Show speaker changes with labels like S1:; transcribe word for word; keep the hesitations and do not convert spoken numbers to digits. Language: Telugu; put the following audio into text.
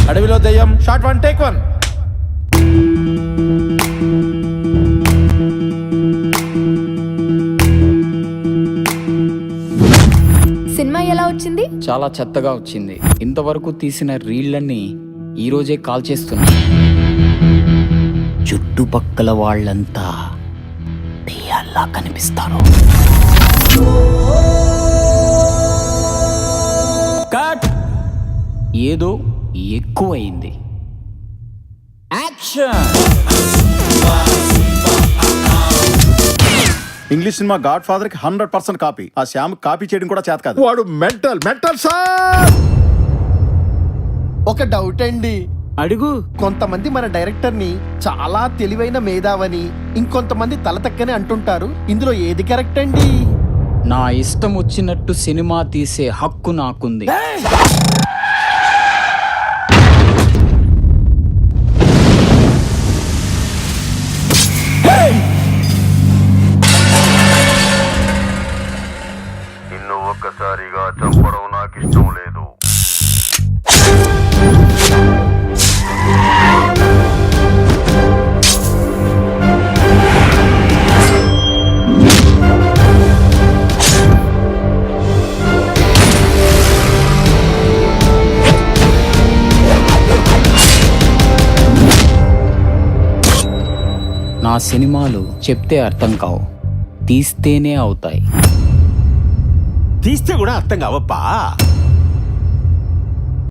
S1: అడవిలో దయ్యం shot one take one.
S2: Cinema ఎలా వచ్చింది?
S3: చాలా చెత్తగా వచ్చింది. ఇంతవరకు తీసిన రీళ్లన్నీ ఈ రోజే కాల్ చేస్తున్నా. చుట్టుపక్కల వాళ్ళంతా దెయ్యాల్లా కనిపిస్తారు. కట్. ఏదో ఎక్కువైంది. Action.
S4: English cinema Godfather కి హండ్రెడ్ పర్సెంట్ కాపీ. ఆ శ్యామ్ కాపీ చేయడం కూడా చేత కాదు.
S1: వాడు మెంటల్ మెంటల్ సార్.
S5: ఒక డౌట్ అండి,
S3: అడుగు.
S5: కొంతమంది మన డైరెక్టర్ ని చాలా తెలివైన మేధావని, ఇంకొంతమంది తలతక్కని అంటుంటారు. ఇందులో ఏది కరెక్ట్ అండి?
S3: నా ఇష్టం వచ్చినట్టు సినిమా తీసే హక్కు నాకుంది.
S6: నిన్ను ఒక్కసారిగా చంపడం నాకు ఇష్టం లేదు.
S3: నా సినిమాలు చెప్తే అర్థం కావు, తీస్తేనే అవుతాయి.
S1: తీస్తే కూడా అర్థం కావప్పా.